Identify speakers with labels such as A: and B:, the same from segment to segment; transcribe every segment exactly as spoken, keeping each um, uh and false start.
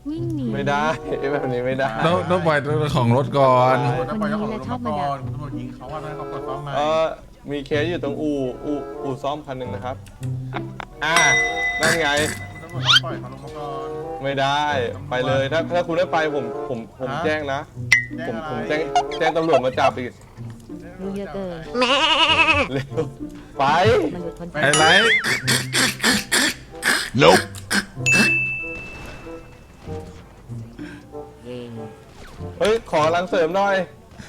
A: วิ่งหนี
B: ไม่ได้แบบนี้ไม่ได้
C: ต้องต้องปล่อยของรถก่อน
D: ต้องปล่อยเจ้าของรถมาก่อนคุณตำรวจยิงเขาว่าให้เขาเปิดซ้อมมา
B: เออมีเคสอยู่ตรงอู่อู่อู่ซ่อมคันหนึ่งนะครับอ่านั่นไง
D: คุณตำรวจต้องปล่อยเขาลงมาก่อน
B: ไม่ได้ไปเลยถ้าถ้าคุณไม่ไปผมผมผมแจ้งนะผมผมแจ้งแจ้งตำรวจมาจับอีก
A: รู้เยอะเกิน
B: เร็วไป
A: มันหลุดพ้น
C: ไอ้ไร
E: Nope
B: เฮ้ยขอรังเสริมหน่อย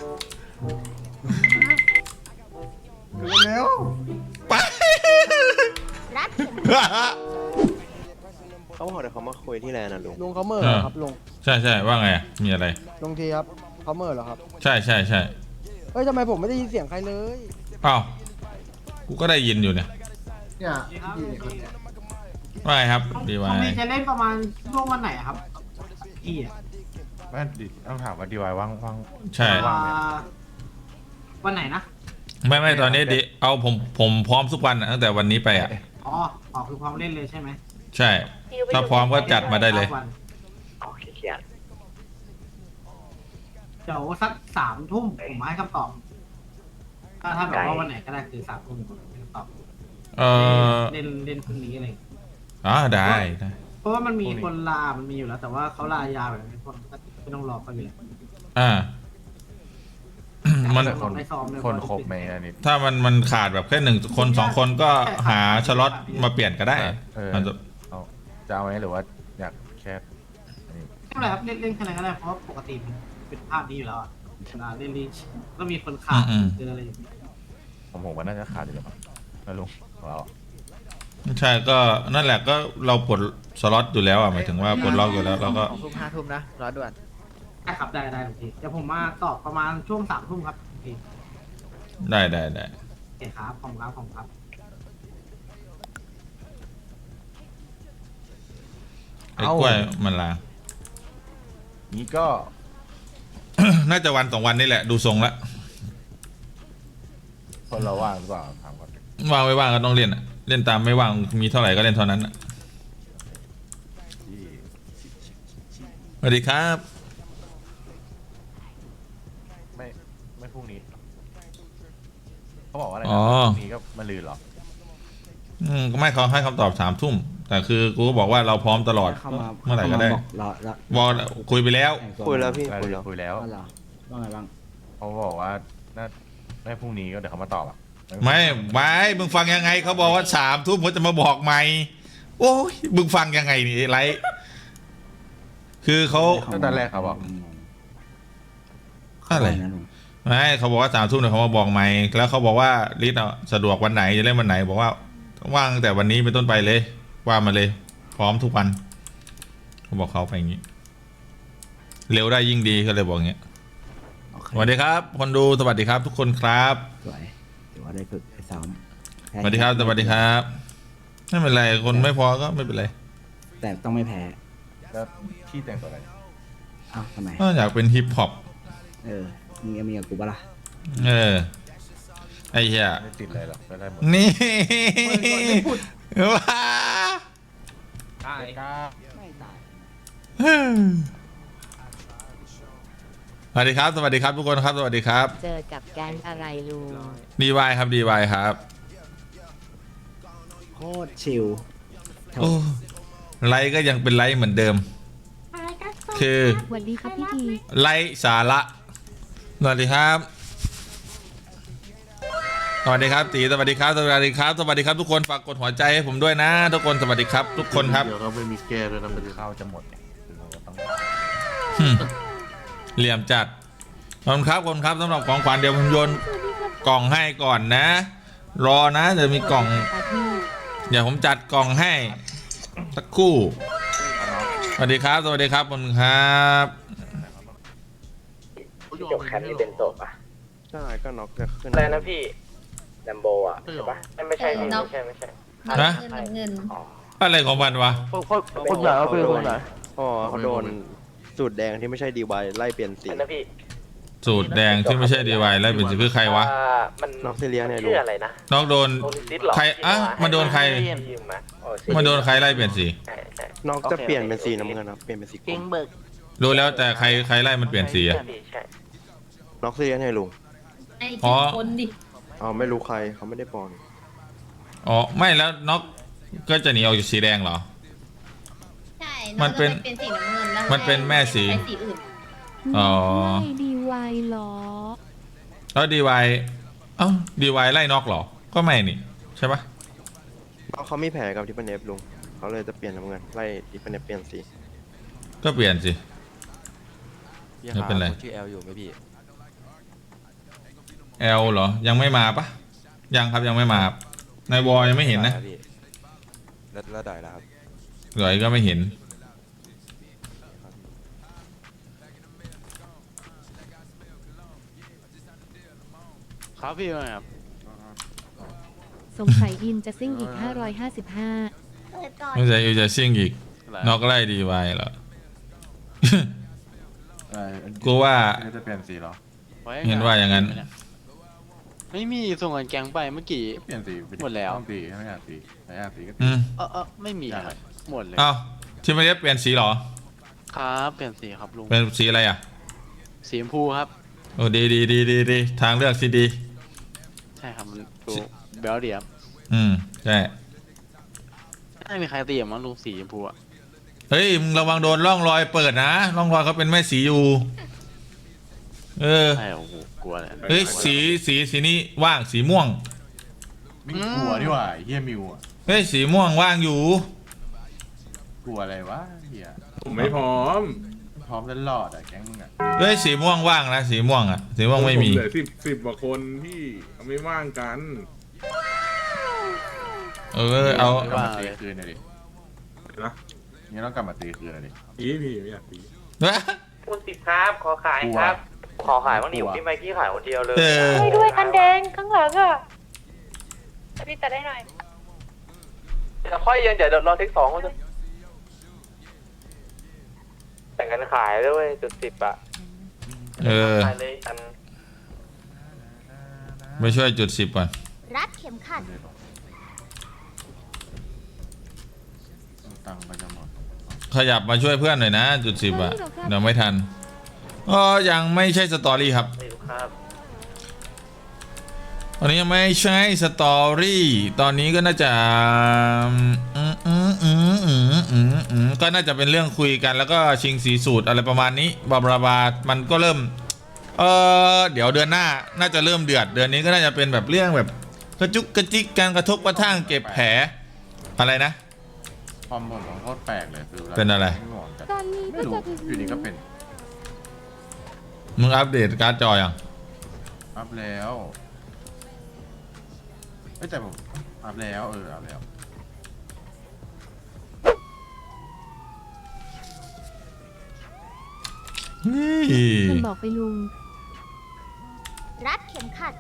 D: เร็ว
C: ไป
F: เขาบอกเดี๋ยวเขามาคุยที่แลนด์นะลุง
G: ลุงเขาเมื่อเหรอครับลุง
C: ใช่ใช่ว่าไงมีอะไร
G: ลุงทีครับเขาเมื่อเหรอครับ
C: ใช่ใช่ใช่
G: เฮ้ยทำไมผมไม่ได้ยินเสียงใครเลย
C: อ้าวกูก็ได้ยินอยู่เนี่ย
D: เนี่ยพี่เนี่ยคนเนี่ย
C: ว่าไงครับดี
H: ผ
C: วาม
H: นี่จะเล่นประมาณช่วงวันไหนอะครับพี่อะ
D: แม่ดิต้องถามว่าดีวายว่างว่าง
C: ใช่
H: อ่าวันไหนนะ
C: ไม่ไม่ตอนนี้ดิเอาผมผมพร้อมทุกวันอะตั้งแต่วันนี้ไปอ่ะ
H: อ๋ออ๋อคือพร้อมเล่นเลยใช่ไหม
C: ใช่ ถ้าพร้อมก็จัดมาได้เลย
H: วัน
F: โอเคเขียน
H: เดี๋ยวสักสามทุ่มผมมาให้คำตอบ ถ้าถ้าแบบว่าวันไหนก็ได้คือสามทุ่มผมให้คำตอบ
C: เออ
H: เล่นเล่นพรุ่งนี้อะไรอย่างเงี้ย
C: อ๋อได้ได้
H: เพราะว่ามันมีคนลา มันมีอยู่แล้ว แต่ว่าเขาลายาวแบบนี้คนก็ไม่ต้องรอเขาอยู่แล้ว
C: อ่า มัน
D: คน
H: ไม่ซ้อมเลย
D: คนครบไหมอันนี้
C: ถ้ามันมันขาดแบบแค่หนึ่งคนสองคนก็หาสล็อตมาเปลี่ยนก็ได้
D: เออ
C: มันจะ
D: เอาจะเอาไหมหรือว่าอยากแค่นี่
H: ไม่เป็นไรครับเล่นเล่นแค่ไหนก็ได้เพราะว่าปกติมันเป็นภาพนี้อยู่แล้วอะเวลาเล่นลีชก็มีคนขาดเจออะไรอย่างเงี้ย
D: ผมผมว่าน่าจะขาดอยู่แล้วมั้งนะลุงของเรา
C: ใช่ก็นั่นแหละก็เราปลดสล็อตอยู่แล้วอ่ะหมายถึงว่าปลดล็อกอยู่แล้วเราก็
G: ทุ่มห้าทุ่มนะรอด่วน
H: ได้ครับได้ได้โอเคเดี๋ยวผมมาตอบประมาณช่วงสามทุ่มครับโอเค
C: ได้ได้ได้
H: โอเคครับขอบคุณครับขอบคุณครับ
C: ไอ้กล้วยมันลา
D: นี้ก็
C: น่าจะวันสองวันนี่แหละดูทรงละ
D: คนเราว่างหรือเปล่าถามก่อน
C: ว่างไม่ว่างก็ต้องเล่นอ่ะเล่นตามไม่ว่างมีเท่าไหร่ก็เล่นเท่านั้นอ่ะ
D: ที่
C: สวัสดีครับ
D: ไม่ไม่พรุ่งนี้เขาบอกว่าอะไรนะ
C: อ๋อ
D: พรุ่งนี้ก็มาลืนเหรอ
C: อืมก็ไม่เขาให้คำตอบสามทุ่มแต่คือกูก็บอกว่าเราพร้อมตลอดเมื่อไหร่ก็ได้บอกคุยไปแล้ว
F: คุยแล้วพี่
D: ได้
F: คุยแล้ว
D: คุยแล้ว
G: ว่าไงบ้าง
D: เขาบอกว่าน่าไม่พรุ่งนี้ก็เดี๋ยวเขามาตอบอ่ะ
C: ไม่ไม่มึงฟังยังไงเขาบอกว่าสามทุ่มเขาจะมาบอกใหม่โอ้ยมึงฟังยังไงนี่ไรคือเขา
D: ตั้งแต่แรกเขาบอก
C: อะไรไม่เขาบอกว่าสามทุ่มเดี๋ยวเขามาบอกใหม่แล้วเขาบอกว่าลิศอ่ะสะดวกวันไหนจะเล่นวันไหนบอกว่าว่างตั้งแต่วันนี้เป็นต้นไปเลยว่ามาเลย พร้อมทุกวันเขาบอกเขาไปอย่างนี้เร็วได้ยิ่งดีก็เลยบอกอย่างเงี้ยสวัสดีครับคนดูสวัสดีครับทุกคนครับ
I: สวยถือว่าได้ฝึกได้ซ้อม
C: สวัสดีครับสวัสดีครับไม่เป็นไรคนไม่พอก็ไม่เป็นไร
I: แต่ต้องไม่แพ้
D: แล้วพี่แต่งตัวอะไร
I: เอ้าทำไม
C: ก็อยากเป็นฮิปฮอป
I: เออมีมีกับกูปะล่ะ
C: เออไอ้เหี้ย
D: ไม่ติดเลยหรอกก็ได้หมด
C: นี่ว้า
D: ตายกล้า
I: ไม่ตาย
C: สวัสดีครับสวัสดีครับทุกคนครับสวัสดีครับ
A: เจอกับแก๊งอะไรลุง
C: ดีวายครับดีวายครับ
I: โคตรชิล
C: โอ้ไลฟ์ก็ยังเป็นไลฟ์เหมือนเดิม คือ
A: สวัสดีครับพี่ที
C: ไลฟ์สาระสวัสดีครับสวัสดีครับตีสวัสดีครับสวัสดีครับสวัสดีครับทุกคนฝากกดหัวใจให้ผมด้วยนะ ทุกคนสวัสดีครับ ทุกคนครับ
D: เดี๋ยวเขาไม่มีแก้ด้วยนะมันข้าวจะหมดเนี่ยคือเราก็ต้อง
C: หึเหลี่ยมจัดขอบคุณครับขอบคุณครับสำหรับของขวัญเดี๋ยวผมโยนกล่องให้ก่อนนะ รอนะเดี๋ยวมีกล่อง
A: ครับพี่
C: เดี๋ยวผมจัดกล่องให้สักครู่สวัสดีครับ สวัสดีครับขอบคุณครับ
F: จบแคปนี่เป็นจบอ่ะใช่ก็น็อกจะขึ้นอะไรนะพี่แลมโบอ่ะใช่ปะไม่ใช่พี่ไม่ใช่ไม่ใช่
C: ฮะ
A: เงินเงิน
C: อะไรของมันวะ
F: คนคนไหนเขาเป็นคนไหนอ๋อเขาโดนสูตรแดงที่ไม่ใช่ดีวายไล่เปลี่ยนสีนะพี่
C: สูตรแดงที่ไม่ใช่ดีวายแล้วเป็นสีคือใครวะ
F: มันน็อกเซเลียเนี่ยชื่ออะไรนะ
C: น้องโดนใครอ่ะมาโดนใคร
F: ยืมไหมอ๋อ
C: มันโดนใครไล่เปลี่ยนสี
F: ใช่ใช่
E: น้องจะเปลี่ยนเป็นสีน้ำเงินครับเปลี่ยนเป็นสีกร
F: เก่ง
E: ม
F: เบิก
C: รู้แล้วแต่ใครใครไล่มันเปลี่ยนสีอะ
F: ใช่พี่ใช่
E: น้องเซียนให้ลุง
J: ไอ้
C: อ๋อ
J: ที่คนดิ
E: เอาไม่รู้ใครเขาไม่ได้ปอน
C: อ๋อไม่แล้วน็อกก็จะหนีออกจากสีแดงเหรอ
J: ใช่
C: มันเป็น
J: องก็เป็นสีน้ำเงินแล้ว
C: มันเป็นแม่สี
J: ใช้สีอื่น
C: อ๋อ
A: ไม่ดีวายหรอ
C: แล้วดีวายเอ้าดีวายไล่น็อกเหรอก็ไม่นี่ใช่ปะ
E: น้องเขามีแผลกับทิปเนฟลุงเขาเลยจะเปลี่ยนน้ำเงินไล่ทิปเนฟเปลี่ยนสี
C: ก็เปลี่ยนสิไม่เป็นไร
D: ชื่อแอลอยู่ไหมพี่
C: แอลเหรอยังไม่มาปะยังครับยังไม่มาครับในวอลยังไม่เห็นนะ
D: แล้วแล้วได้แล้วครับ
C: หลอยก็ไม่เห็น
D: ครับพี่ว่าไงครับ
A: สงสัยอินจะซิ่งอีก ห้าร้อยห้าสิบห้า
J: เปิดก่อน
C: ไม่ใช่ยูจะซิ่งอีกน็อกไล่ดีวายเหรอ กูว่า
D: จะเปลี่ยนสีเหรอ
C: เห็นว่าอย่างนั้น
D: ไม่มีส่งเงินแกงไปเมื่อกี้เปลี่ยนสีหมดแล้วสีไม่อยากสีไม่อยากสีก็
C: อืม
D: เออเออไม่มีครับหมดเลย
C: เอ้าที่ไม่ได้เปลี่ยนสีเหรอ
D: ครับเปลี่ยนสีครับลุง
C: เป็นสีอะไรอ่ะ
D: สีชมพูครับ
C: โอ้ดีดีดีดีดีทางเลือกที่ดี
D: ใช่ครับมันดูเบลเดียบ
C: อืมใช่
D: ไม่มีใครตีอย่างมั้งลุงสีชมพูอะ
C: เฮ้ยมึงระวังโดนร่องรอยเปิดนะร่องรอยเขาเป็นแม่สีอยู่เออ
D: ใช่โอ้โหกลัวเลย
C: เฮ้ยสีสีสีนี้ว่างสีม่วง
D: ไม่กลัวดีกว่าเฮียมิวอะ
C: เฮ้ยสีม่วงว่างอยู่
D: กลัวอะไรวะเฮีย
B: ผมไม่พร้อม
D: พร้อมตลอดอะแก๊งมึงอะ
C: เฮ้ยสีม่วงว่างนะสีม่วงอ่ะสีม่วงไม่มี
B: เหลือสิบสิบกว่าคนพี่เขาไม่ว่างกัน
C: เออเอา
D: กลับมาตีคืนหน่อยดิ
B: นะ
D: นี่ต้องกลับมาตีคืนหน่อยดิ
B: พี่พี่ไม่อยากตี
F: คูณสิบครับขอขายครับ ขอขายบ้างดิพี่ไมค์กี้ขายคนเดียวเลย
C: เออ
J: ช่วยด้วยคันแดงข้างหลังอ่ะพี่ตัดได้หน่อย
F: เดี๋ยวค่อยเย็นเดี๋ยวรอเทคสองก่อนจะแต่งกันขายด้วยจุดสิบอะ
C: เออ
F: ขายเลยอัน
C: ไปช่วยจุดสิบก่อน
J: รัดเข็มขัด
D: ตังค์ไปจะหมด
C: ขยับมาช่วยเพื่อนหน่อยนะจุดสิบอ่ะเดี๋ยวไม่ทันอ๋อยังไม่ใช่สตอรี่ครับ
F: ไม่รู้ครับ
C: ตอนนี้ยังไม่ใช่สตอรี่ตอนนี้ก็น่าจะอืมอืมอืมอืมอืมอืมก็น่าจะเป็นเรื่องคุยกันแล้วก็ชิงสีสูตรอะไรประมาณนี้บาบาบามันก็เริ่มเออเดี๋ยวเดือนหน้าน่าจะเริ่มเดือดเดือนนี้ก็น่าจะเป็นแบบเรื่องแบบกระจุกกระจิกการกระทบกระทั่งเก็บแผลอะไรนะ
D: ความหมดของโคตรแปลกเลยคือ
C: เป็นอะไร
D: ม่ห่วงกัน
A: ตอนนี้
D: ไม่
A: ก็
D: รู้
A: จะถึง
D: อยู่ดีก็เป็น
C: มึงอัปเดตการ์ดจอยัง
D: อัพแล้วไม่แต่ผมอัพแล้วเอออัพแล้ว
C: นี่
A: มันบอกไปลุง
J: รัดเข็มขัด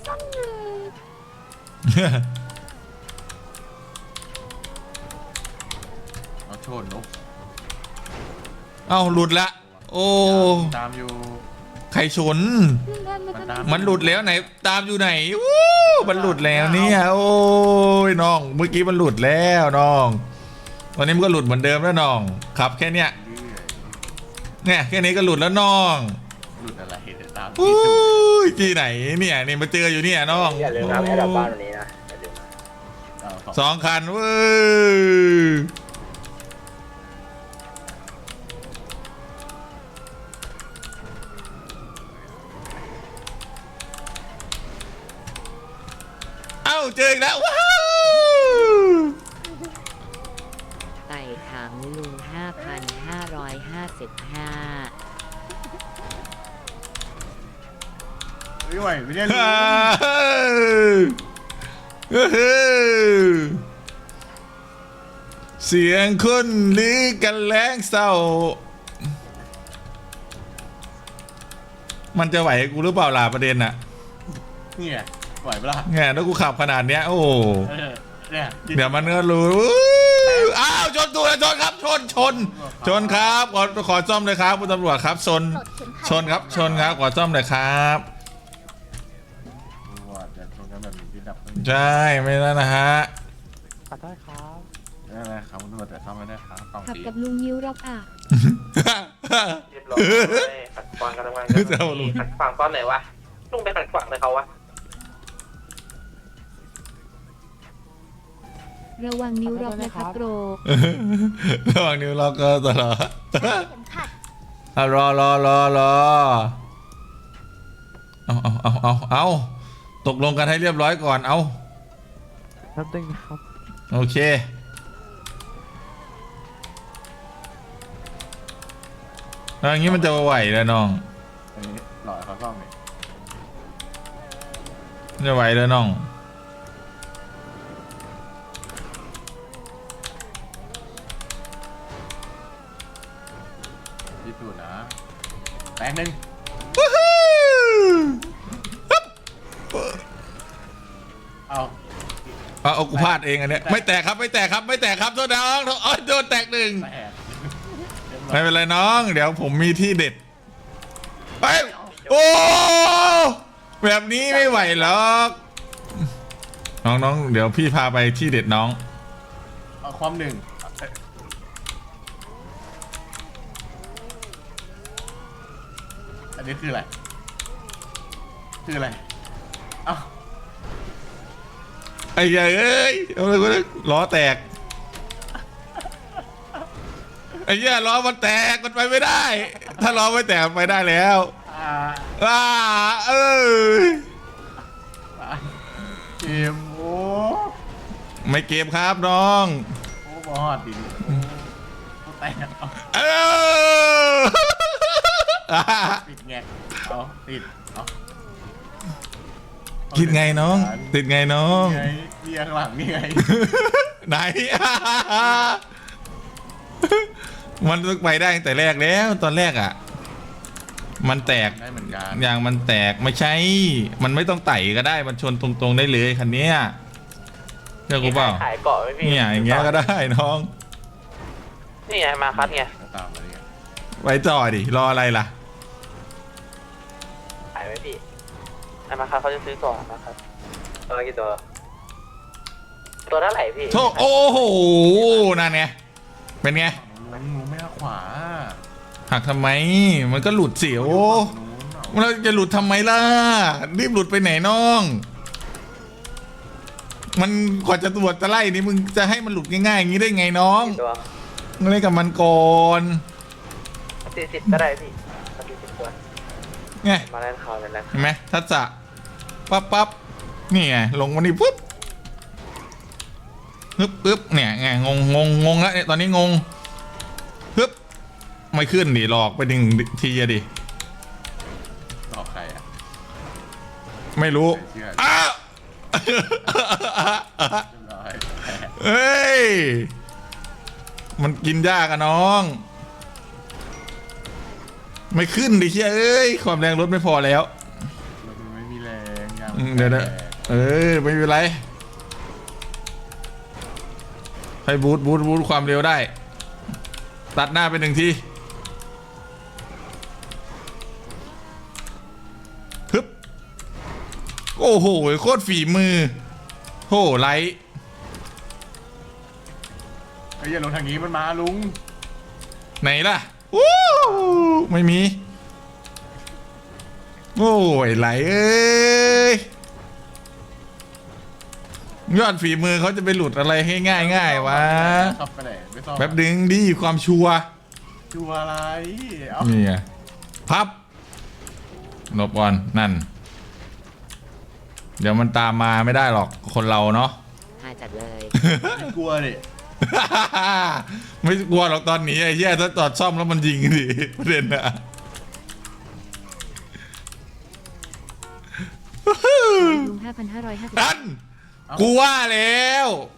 D: เอาชนนก
C: เอ้าหลุดละโอ้
D: ตามอยู่
C: ใครชน
D: มันตาม
C: มันหลุดแล้วไหนตามอยู่ไหนวู้มันหลุดแล้วเนี่ยโอ้ยน้องเมื่อกี้มันหลุดแล้วน้องตอนนี้มันก็หลุดเหมือนเดิมแล้วน้องครับแค่เนี้ย
D: เรื่อย
C: เนี่ยแค่นี้ก็หลุดแล้วน้อง
D: หลุดอะไรเดี๋ยวตาม
C: อู้
D: ที่ดู
C: ยที่ไหนเนี่ยนี่มาเจออยู่เนี่ยน้อง
F: อย่าลืมนะให้ดับบ้านวันนี้นะอย่าลืมนะ
D: เอาสอง
C: สองคันเว้ยเอ้าเจออีกแล้วว้าว
A: ไต่ถังลุง ห้าพันห้าร้อยห้าสิบห้า
D: ไม่ไหวไม่ได้รู้
C: ฮ่าเฮ้ยเสียงคนลือกันแรงเศร้า มันจะไหวกูหรือเปล่าล่ะประเด็นน่ะ
D: นี่ไงไหวปะล่ะ
C: เนี่ยถ้ากูขับขนาดเนี้ยโอ้โห
D: เออเนี่ย
C: เดี๋ยวมันก็รู้อ้าวชนตัวแล้วชนครับชนชน ชนครับขอขอซ่อมเลยครับคุณตำรวจครับชน
J: ปลดเข็มขัด
C: ชนครับชนครับขอซ่อมเลยครับ
D: ว่าจะชนกันแบบนี้ที่ดับ
C: ใช่ไม่แล้วนะฮะ
D: ขอโทษครับ เอ
K: เป็นไรครับคุณตำรวจแต่ซ่อมไม่ได้ครับกล่อง
J: ขับ
K: สี
J: กับลุงยิ้วรอกอ่ะ
F: เรียบร้อยขัดขวางกันทำงานกันขัดขวางตอนไหนวะลุงไปขัดขวางเลยเขาวะ
J: ระวังนิ้วรอกนะครับโกร
C: ระหว่างนิ้วล็อกก็ตลอดอ่ะรอรอรอรอเอาเอาเอาเอาเอาตกลงกันให้เรียบร้อยก่อนเอาแป๊บนึงครับโอเคแล้วอย่างนี้มันจะไหวแล้วน้อง
K: อันนี้หล่อเขาซ่อมนี่
C: จะไหวแล้วน้อง
K: ที่สุดนะแปลงหนึ่งเอา
C: เอาเอากูพลาดเองอันเนี้ยไม่แตกครับไม่แตกครับไม่แตกครับโทษน้องโอ้ยโดนแตกหนึ่ง
K: แปด
C: ไม่เป็นไรน้องเดี๋ยวผมมีที่เด็ดไปโอ้แบบนี้ไม่ไหวหรอกน้องน้องเดี๋ยวพี่พาไปที่เด็ดน้อง
K: เอาความหนึ่งอันนี้คืออะไรคืออะไรเอ้า
C: ไอ้เหี้ยเอ้ยเอาเลยกูล้อแตกไอ้เหี้ยล้อมันแตกมันไปไม่ได้ ถ้าล้อไม่แตกไปได้แล้ว
K: อ่า
C: ว้าเออ
K: เกมโอ้
C: ไม่เกมครับน้อง
K: โอ้บอดดิโอ้โอ้แตกเอา
C: เออ
K: ติดแงกเอาติดเอา
C: คิดไงน้อง ติดไงน้อง
K: ไงเรียงหลังนี่ไง
C: ไหน มันต้องไปได้ตั้งแต่แรกแล้วตอนแรกอ่ะ มันแตก
K: ได้เหมือนกัน
C: อย่างมันแตกไม่ใช่ มันไม่ต้องไต่ก็ได้ มันชนตรงๆได้เลยคันเนี้ยเชื่อกูเปล่า
F: ขายเกาะไหมพี่
C: เนี่ยอย่างเงี้ยก็ได้น้อง
F: นี่ไงมาคัดไง
K: ตามมาเลยไง
C: ไว้ต่อดิรออะไรล่ะ
F: ขายไหมพี่ไอ้มาคัดเขาจะซื้อก่อนนะครับตัวกี่ตัวตัวเท่าไหร่พี่
C: โธ่โอ้โหนั่นไงเป็นไง
K: ลุงลุงไม่เอาขวา
C: หักทำไม มันก็หลุดเสียว
K: นู้นเอา
C: เราจะหลุดทำไมล่ะรีบหลุดไปไหนน้อง มันกว่าจะตรวจจะไล่นี่มึงจะให้มันหลุดง่ายๆอย่างนี้ได้ไงน้อง
F: ตัว
C: มึงเล่นกับมันก่อน
F: สี่สิบก็ได้พี่สี่สิบตัว
C: ไง
F: มาเล่นข่าวเลยนะ
C: เห็นไหมทัศจะปั๊บปั๊บนี่ไงลงมานี่ปุ๊บฮึบปึ๊บเนี่ยไงงงงงงงแล้วเนี่ยตอนนี้งงฮึบไม่ขึ้นดิหลอกไปหนึ่งทีอะดิ
K: หลอกใครอ่ะ
C: ไม่รู้
K: ไม่เชื่อ
C: อ้าว
K: เรียบร้อยแพ้
C: เฮ้ยมันกินยากอะน้อง ไม่ขึ้นดิเชียเอ้ยความแรงรถไม่พอแล้ว
K: รถมันไม่มีแรงยาง
C: อืมเดี๋ยวนะเออไม่เป็นไรให้บูทบูทบูทความเร็วได้ ตัดหน้าไปหนึ่งทีฮึบโอ้โหโคตรฝีมือโหไลท์
K: เฮ้ยอย่าลงทางนี้มันมาลุง
C: ไหนล่ะวู้ไม่มีโอ้ยไหลเอ้ยยอดฝีมือเขาจะไปหลุดอะไรให้ง่ายง่ายวะ
K: ขับไปไหนไม่ซ่อม
C: แป๊บดึงดิความชัวร์
K: ชัวร์อะไรเอ้า
C: นี่ไงพับหลบก่อนนั่น เดี๋ยวมันตามมาไม่ได้หรอกคนเราเนาะ
A: หาจัดเลย
K: ไม่กลัวดิ
C: ไม่กลัวหรอกตอนหนี้ไอ้เหี้ยถ้าจอดซ่อมแล้วมันยิงดิประเด็นนะ
J: ลุงห้าพันห้าร้อยห้าสิบ
C: นั่นกูว่าแล้ว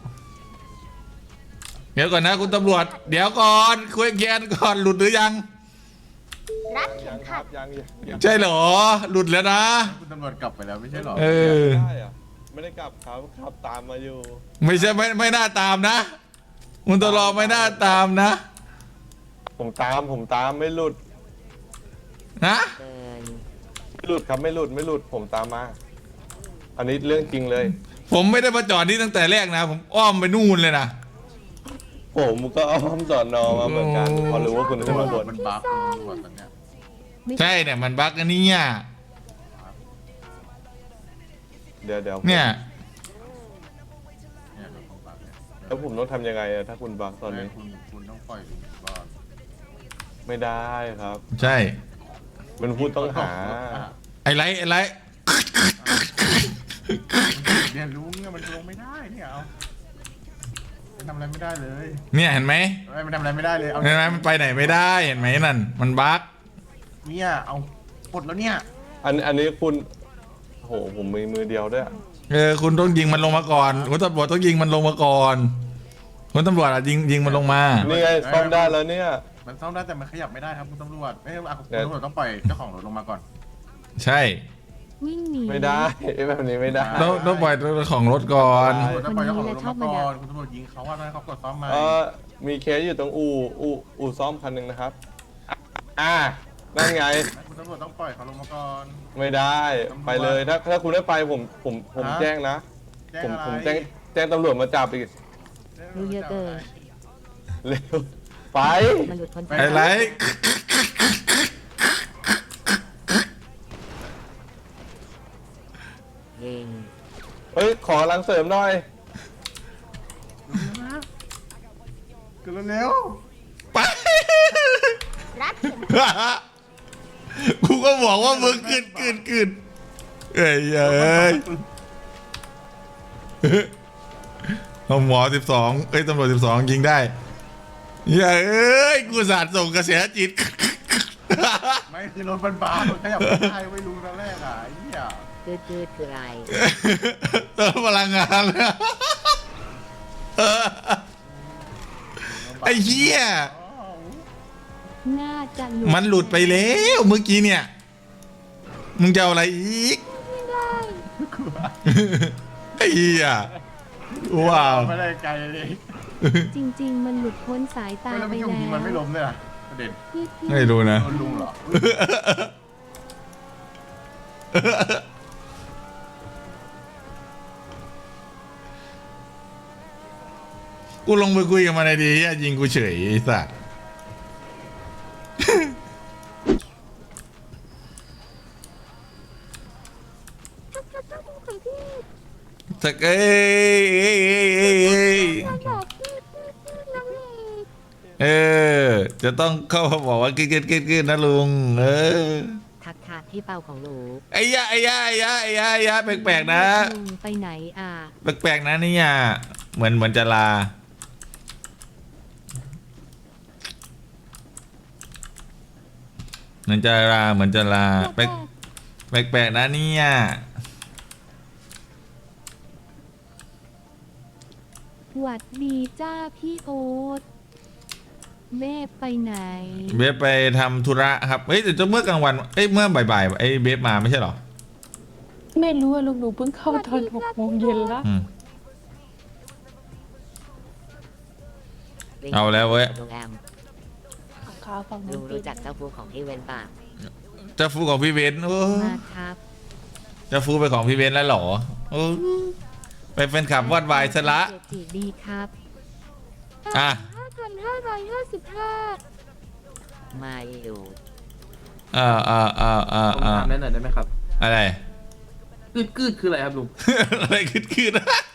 C: เดี๋ยวก่อนนะคุณตำรวจ เดี๋ยวก่อนคุยเกียนก่อนหลุดหรือยัง
J: รัดเข็มขัด
B: ยังยัง
C: ใช่เหรอ หลุดแล้วนะ
K: คุณตำรวจกลับไปแล้วไม่ใช่หรอ
C: เออ
B: ได้อะไม่ได้กลับครับขับตามมาอยู่
C: ไม่ใช่ไม่ไม่น่าตามนะคุณตลอไม่น่าตามนะ
B: ผมตามผมตามไม่หลุด
C: นะ
A: เกิน
B: ไม่หลุดครับไม่หลุดไม่หลุดผมตามมา อันนี้เรื่องจริงเลย
C: ผมไม่ได้มาจอดนี่ตั้งแต่แรกนะ ผมอ้อมไปนู่นเลยนะ
B: ผมก็อ้อมสอนอมาเหมือนกันพอรู้ว่าคุณขึ้นมาบน
K: มันบั๊กตำรวจตอนเนี้ย
C: ใช่เนี่ยมันบั๊กอันนี้เนี่ย
B: เดี๋ยวเดี๋ยว
C: เนี่ย
K: เนี่ยโดนของบั๊กเนี่ย
B: แล้วผมต้องทำยังไงอะถ้าคุณบักตอนนี้
K: คุณคุณต้องปล่อยลุงก่อน
B: ไม่ได้ครับ
C: ใช่
B: เป็นผู้ต้องหา
C: ไอ้ไรไอ้ไร
K: เนี่ยลุงเนี่ยมันลงไม่ได้เนี่ยเอามันทำอะไรไม่ได้เลย
C: เนี่ยเห็นไหม
K: ไม่มันทำอะไรไม่ได้เลยเอา
C: เห็นไหมมันไปไหนไม่ได้เห็นไหมนั่นมันบั๊ก
K: เนี่ยเอาปลดแล้วเนี่ย
B: อันอันนี้คุณโหผมมีมือเดียวด้วยอะ
C: เออคุณต้องยิงมันลงมาก่อนคุณตำรวจต้องยิงมันลงมาก่อนคุณตำรวจอ่ะยิงยิงมันลงมา
B: นี่ไงซ่อมได้แล้วเนี่ย
K: มันซ่อมได้แต่มันขยับไม่ได้ครับคุณตำรวจไม่เอาคุณตำรวจต้องปล่อยเจ้าของรถลงมาก่อน
C: ใช่
A: วิ่งหนี
B: ไม่ได้แบบนี้ไม่ได้
C: ต้องต้องปล่อยเจ้าของรถก่อน
K: ตำรวจต้องปล่อยเจ้าของรถลงมาก่อนคุณตำรวจยิงเขาว่าให้เขากดซ่อมมา
B: เออมีเคสอยู่ตรงอู่อู่อู่ซ่อมคันหนึ่งนะครับ อ่านั่นไง
K: คุณตำรวจต้องปล่อยเขาลงมาก่อน
B: ไม่ได้ไปเลยถ้าถ้าคุณไม่ไปผมผมผม
K: ฮะ
B: แจ้งนะ
K: แจ้ง
B: ผม
K: อะไร
B: ผมแจ้งแจ้งตำรวจมาจับอีก
A: รู้เยอะเกิน
B: เร็วไป
A: มันหลุดพ้น
C: ไอ้ไร
A: เอง
B: เฮ้ยขอรังเสริมหน่อย
K: เกินเร็ว
C: ไป กูก็บอกว่ามึงขึ้นขึ้นขึ้นเอ้ยเอ้ยหมอสิบสองเอ้ยตำรวจสิบสองยิงได้อย่าเอ้ยกูสาดส่งกระแสจิต
K: ไม่คือรถมันบ้ามันขยับไม่ได้ไม่รู้ตอนแรกอ่ะไอ้เหี้ย
A: จืดจืดคืออะไร
C: เติมพลังงานแล้วไอ้เหี้ย
A: น่าจะหลุด
C: มันหลุดไปแล้วเมื่อกี้เนี่ยมึงจะเอาอะไรอีกไอ้เหี้ยว้าว
K: ไม่ได้ไกลเลย
A: จริง ๆ มันหลุดพ้นสายตา
K: ไม่แล้ว
A: ไป
K: มันยิง
A: แล้ว
K: มันไม่ล้มเลยอ่ะประเด็น
A: พี่พี่
C: ไม่รู้นะ
K: โดนลุงเหรอ
C: กูลงไปคุยกับมันไอ้ดีอ่ะยิงกูเฉยไอ้สัสสักเอ้ยเอ้ยเอ้ยเอ้ยเอ้ยเออจะต้องเข้ามาบอกว่ากินกินกินกินนะลุงเออ
A: ทักทายที่เป่าของหนู
C: ไอ้ยะไอ้ยะไอ้ยะไอ้ยะไอ้ยะแปลกๆนะ
A: ลุงไปไหนอ่ะ
C: แปลกๆนะเนี่ยเหมือนเหมือนจะลาเหมือนจะลาเหมือนจะลาแปลกแปลกๆนะเนี่ย
A: หวัดดีจ้าพี่โอ๊ตเมฟไปไหน
C: เบฟไปทำธุระครับเอ้ยแต่เมื่อกลางวันเอ้ยเมื่อบ่ายๆไอ้เบฟมาไม่ใช่เหรอ
J: ไม่รู้อะลุงหนูเพิ่งเข้าตอนหกโมงเย็นละ
C: อืม เอาแล้วเว้ย
A: ลุงแอม
J: ขาฝั่ง
A: ลุงรู้จักเจ้าฟูของพี่เวนป่ะ
C: เจะฟูของพี่เบนโอ้
A: มาครับ
C: เจะฟูไปของพี่เบนแล้วเหรอโอ้ไปเป็นขับวอดวายซะละ
A: เจจีดีครับ
C: อ่ะ
A: ห้าพันห้าร้อยห้าสิบห้ามาอยู่
C: อ่าอ่าอ่าอ่า
F: ผม
C: อ่า
F: ถามได้หน่อยได้ไหมครับ
C: อะไร
F: กืดกืดคืออะไรครับลุง
C: อะไรขึ้นขึ้น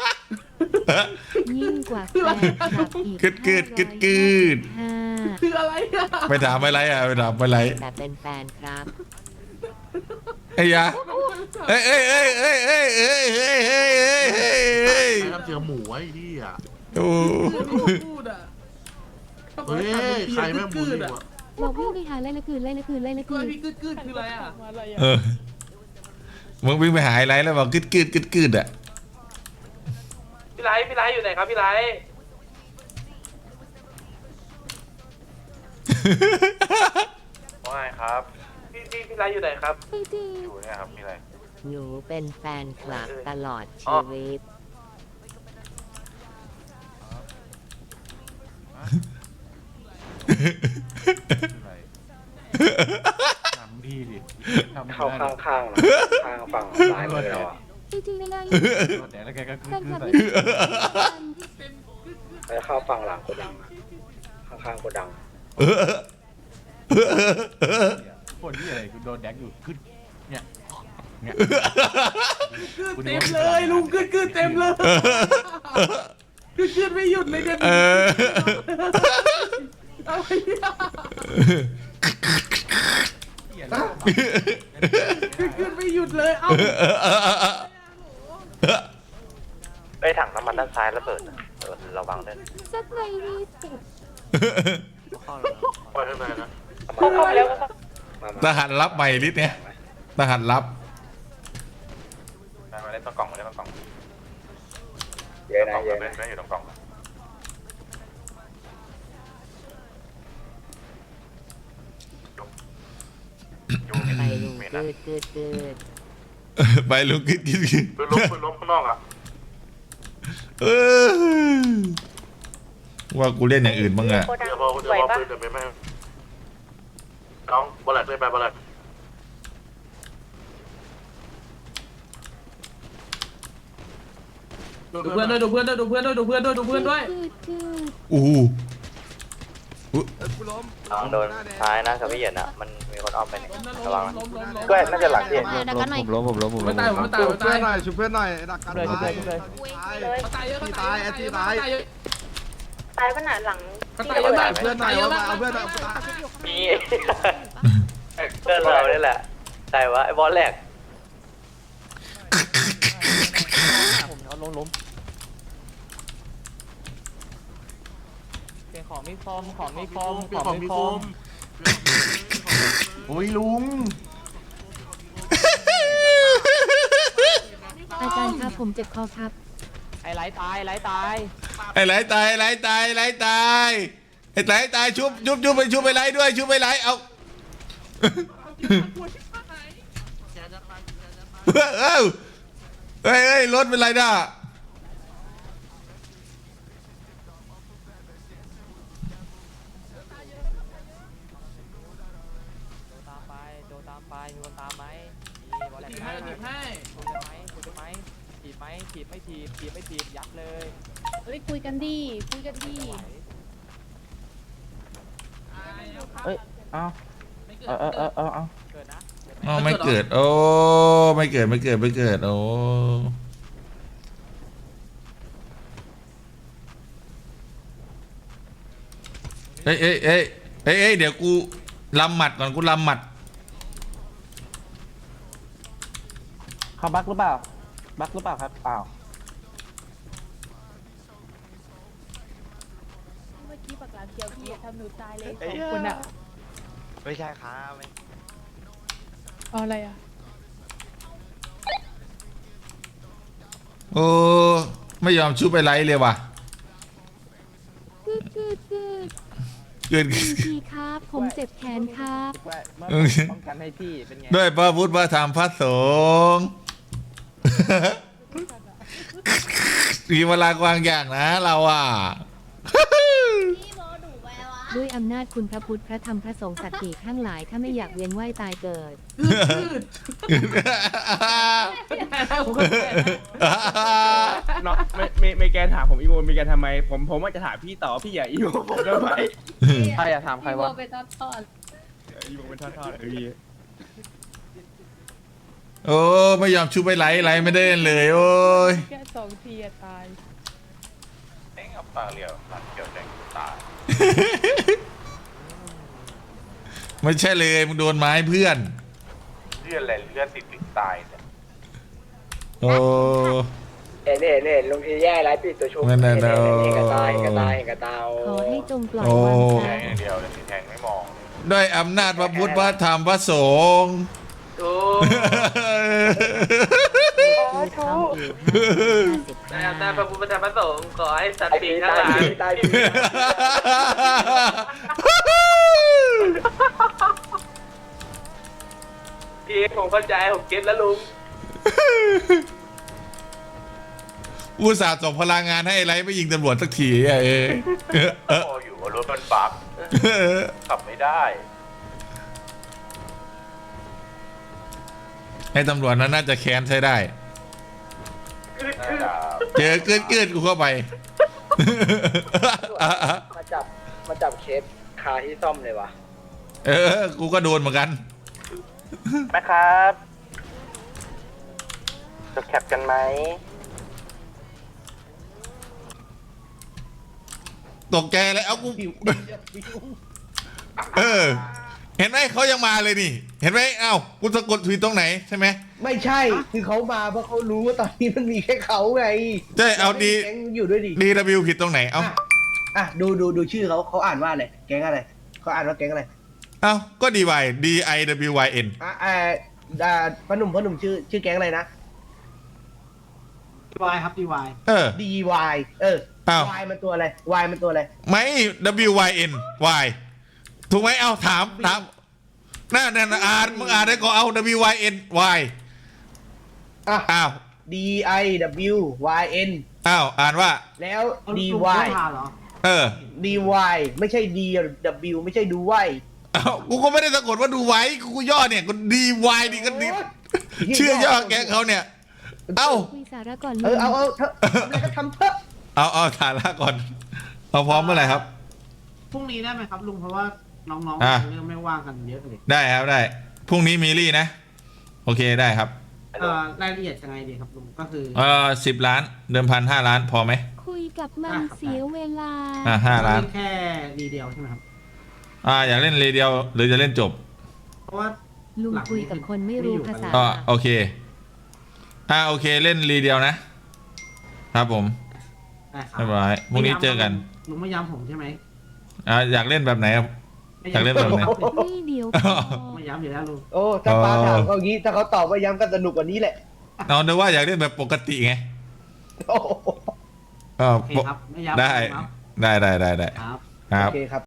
A: ยิ่งกว่าแฟนคลับอีก
C: กึดกึดกึดกึด
A: ห้า
F: คืออะไรอะ
C: ไปถามอะไรอ่ะไปถามอะไร
A: แต่เป็นแฟนครับ
C: ไอ้ยาเอ้ยเอ้ยเอ้ยเอ้ยเอ้ยเอ้ยเอ้ยเอ้ยเอ้ยเอ้ยเอ้ย
K: ใครทำเจอหมูไอ้ที่อ่ะ
C: โอ้
F: พูดอะ
K: เฮ้ยใครแม่งบูลลี่วะ
A: บอกวิ่งไปหาไล่ละคืนไล่ละคืนไล่ละคื
F: เฮ้ย
A: น
F: พี่กืดกืดคืออะไรอะ
C: เออมึงวิ่งไปหาอะไรแล้วบอกกึดกึดกึดกึดอ่ะ
F: พี่ไลท์พี่ไลท์อยู่ไหนครับพี่ไลท์ว่าไงครับพี่พี่พี่ไลท์อยู่ไหนครับ
A: พี่จี
F: อยู่เนี่ยครับมีอะไร
A: หนูเป็นแฟนคลับตลอดชีวิต
K: ทำดีดิทำ
F: เข้าข้างข้างๆนะข้างฝั่งซ้ายมือเราอะ
A: พี่จียังไง
K: แต่แล้วแกก็
A: แฟนคลับ
K: ใส่
A: พี่
F: แล้วเข้าฝั่งหลังโกดังอะข้างๆโกดัง
C: เออ
K: คนที่อะไรกูโดนแดกอยู่ขึ้นเนี่ยเนี่ย
H: เต็มเลยลุงขึ้นขึ้นเต็มเลยขึ้นขึ้นไม่หยุดเลยเนี่ย
C: เออ
H: เอาไปเนี่ยขึ้นขึ้นไม่หยุดเลยเอ้า
F: ไอ้ถังน้ำมันด้านซ้ายระเบิดนะเออระวังด้วย
A: สักในรีสิบ
F: ไปข้างในนะ
J: เข้าเข้าไปแล้วก็
F: มา
C: ทหารรับใหม่ลิศเนี่ยทหารรับ
F: มามาเล่นต้องกล่องมาเล่นต้องกล่องเยอะนะเยอะนะไม่อยู่ตรงกล่อง
A: ไปลุงเกิดเกิดเกิด
C: ไปลุกขึ้นขึ้นขึ้น
F: ปืนล้มปืนล้มข้างนอกอ่ะ
C: เออว่ากูเล่นอย่างอื่นบ้างอะ
J: โกดัง
F: เดี๋ยวพอเดี๋ยว
J: ไหว
F: พอ
J: ปะ
F: ปืนจะไม่แม่น้องบอลแลกได้ไปบอลแลก
H: ดูเพื่อนด้วยดูเพื่อนด้วยดูเพื่อนด้วยดูเพื่อนด้วยดูเพื่อนด้วย
A: เกิดเกิด
C: อู้หู
F: น้องโดนท้ายนะกับพี่เหยียดนะมันมีคนอ้อมไปเนี่ยระวังนะ
H: ล้มล้มล้ม
F: ก็น่าจะหลังพี่
A: มาดักกันหน่อย
H: ไม่ตายผมไม่ตายผมไม่ตาย
G: ช่วยเพื่อนหน่อยดักกัน
H: เลยเลยเลย
J: เลย
H: ตายเยอะตายตายตาย
J: ตายขนาดหลัง
H: ตายเยอะมาก
G: เพื่อนหน่อยว่าเอาเพื่อนหน่อย
F: มีเพื่อนเราเนี่ยแหละใช่วะไอ้บอลแรก
G: ผมเอาล้มล้ม
H: ของมีคอมของมีคอม
K: ของมีคมโอ้ยลุง
A: อาจารย์ครับผมเจ็บคอครับ
H: ไอ้ไหลตายไหลตาย
C: ไอ้ไหลตายไหลตายไหลตายไอ้ไหลตายชุบชุบชุบไปชุบไปไหลด้วยชุบไปไหลเอาเอ้าเฮ้ยเฮ้ยรถเป็นไรน่ะ
H: ตามไปโดนตามไปมีคนตามไหมมีบอลแหลกให้ถีบให้ถีบไหมถีบไหมถีบไหมถีบไม่ถีบถีบไม่ถีบยัดเลย
A: เฮ้ยคุยกันดีคุยกันดี
H: เอ้ยเอาเออเออเออเออเอาเกิดนะ
C: อ๋อไม่เกิดโอ้ไม่เกิดไม่เกิดไม่เกิดโอ้เอ้ยเอ้ยเอ้ยเอ้ยเอ้ยเดี๋ยวกูลำหมัดก่อนกูลำหมัด
H: เขาบักหรือเปล่าบักหรือเปล่าครับเปล่า
J: เมื่อกี้ปากหลามเขียวพี่ทำหนูตายเลย
F: ไอ้
J: สองคนอะ
F: ไม่ใช่ครับไม่
J: เอาอะไรอะ
C: โอ้ไม่ยอมชุบไปไลท์เลยว่ะ
A: เกิดเกิดเกิด
C: เกิน
A: พี่ครับ ผมเจ็บแขนครับ
H: ป้องกันให้พี่เป็นไง
C: ด้วยพระพุทธพระธรรมพระสงฆ์มีเวลากวางอย่างนะเราอ่ะ
A: ด้วยอำนาจคุณพระพุทธพระธรรมพระสงฆ์สัตย์ปีกทั้งหลายถ้าไม่อยากเวียนว่ายตายเกิด
G: เนาะไม่ไม่ไม่แกถามผมอีโมมีแกทำไมผมผมว่าจะถามพี่ต่อพี่อย่าอีโมผมทำไม
H: ใครอะถามใครวะ
J: ไปทอดทอด
G: อีโมเป็นทอดๆเออพี่
C: โอ้ไม่ยอมชุบไปไลท์ไลท์ไม่ได้เล่นเลยโอ้ย
J: แค่สองทีอะตาย
F: เอ็งเอาปากเรียวปากเกี่ยวแดงตาย
C: ไม่ใช่เลยมึงโดนไม้เพื่อน
F: เลือดอะไรเลือดติดติดตายเนี่ย
C: โอ้
F: เอ็นเอ็นเอ็นลุงทีแย่ไรปิดตัวชุบ
C: นั่นน่ะ
F: เอ็น
C: โอ้
F: เอ็นเอ็นกระตายกระตายกระตาย
A: ขอให้จงปล่อย
C: โอ้
A: วาง
F: แท
A: ใจ
F: งอย่างเดียวเลยแทงไม่มอง
C: ด้วยอำนาจพระพุทธพระธรรมพระสงฆ์
F: โอ้
A: เข้าอยู่ห้าสิบ
F: แต่พระพุทธธรรมพระสงฆ์ขอให้สัตว์ปีกทั้งหลายตายพี่ผมเข้าใจผมเก็ตแล้วลุง
C: อุตส่าห์ส่งพลังงานให้ไอ้ไลท์ไปยิงตำรวจสักทีอ่ะเอ้ย
F: โอ้อยู่รถมันบักขับไม่ได้
C: ให้ตำรวจนั้นน่าจะแค้นใช้ได้ เจอเกิดเกิดกูเข้าไป
F: มาจับมาจับเคสคาที่ซ่อมเลยวะ
C: เออ กูก็โดนเหมือนกัน
F: แม่ครับจดแคปกันไหม
C: ตกใจเลยเอากู เออ เห็นไหมเขายังมาเลยนี่ เห็นไหมเอ้ากูสะกดผิดตรงไหนใช่ไหม
F: ไม่ใช่คือเขามาเพราะเขารู้ว่าตอนนี้มันมีแค่เขาไง
C: ใช่เอาดี
F: แก๊งอยู่ด้วยดิ
C: ดีดับบิวผิดตรงไหนเอ้า
F: อ่ะดูดูดูชื่อเขาเขาอ่านว่าอะไรแก๊งอะไรเขาอ่านว่าแก๊งอะไร
C: เอ้าก็ดีวาย D I W Y N
F: อ่ะอ่าอ่าพ่อหนุ่มพ่อหนุ่มชื่อชื่อแก๊งอะไรนะ
I: ดีวายครับดีวาย
C: เออ
F: D Y เออ
C: อ้าว
F: Y มันตัวอะไร Y มันตัวอะไร
C: ไม่ W Y N Y ถูกไหมเอาถามถามน่านั่นอ่านมึงอ่านได้ก็เอา W Y N Y
F: อ่ะ
C: อ้าว
F: D I W Y N
C: อ้าวอ่านว่า
F: แล้ว D Y
C: เออ
F: D Y ไม่ใช่ D W ไม่ใช่ดูไว
C: เอ้ากูก็ไม่ได้สะกดว่าดูไว้กูย่อเนี่ยกูดีวายดีกันดีชื่อย่อแกเขาเนี่ย เอ้า
A: คุยสาระก่อน
F: เอ
A: ลุ
F: อง เอาเอาเถอะทำอะไรก็ทำเถอะ
C: เอาเอาฐานะก่อนเอาพร้อมเมื่อไหร่ครับ
I: พรุ่งนี้ได้ไหมครับลุงเพราะว่าน้อง
C: อ่ะ
I: ๆเริ่มไม่ว่างกันเยอะเลย
C: ได้ครับได้พรุ่งนี้มีรี่นะ โอเคได้ครับ
I: เอ่อรายละเอียดยังไงดีครับลุงก็คือ
C: เออสิบล้านเดิมพันห้าล้านพอไหม
A: คุยกับมันเสียเวลา
C: อ่าห้าล้าน
I: เล่นแค่รีเดียวใช่ไหมครับ
C: อ่าอยากเล่นเรเดียวหรือจะเล่นจบ
I: เพราะว่า
A: ลุงคุยกับคนไม่รู้ภาษา
C: ก็โอเคอ่าโอเคเล่นรีเดียวนะ ครับผม
I: ได้ครับ
C: เรียบร้อยพรุ่งนี้เจอกัน
I: ลุงไม่ย้ำผมใช่ไหม
C: อ่าอยากเล่นแบบไหนครับ
I: ไม่
C: อยากเล่นแบบไหน
A: นี่เดียวพอ
I: ไม่ย้ำอยู่แล้วลุง
F: โอ้ถ้าป้าถามเขาอย่างนี้ถ้าเขาตอบว่าย้ำกันสนุกกว่านี้แหละ
C: เอาเดี๋ยวว่าอยากเล่นแบบปกติไง
F: โอ้โห
C: ก็
I: โอเคครับไม่ย้ำ
C: ได้
I: ครับ
C: ได้ได้ได้ได้
I: ครับ
C: ครั
F: โอบ เคครับ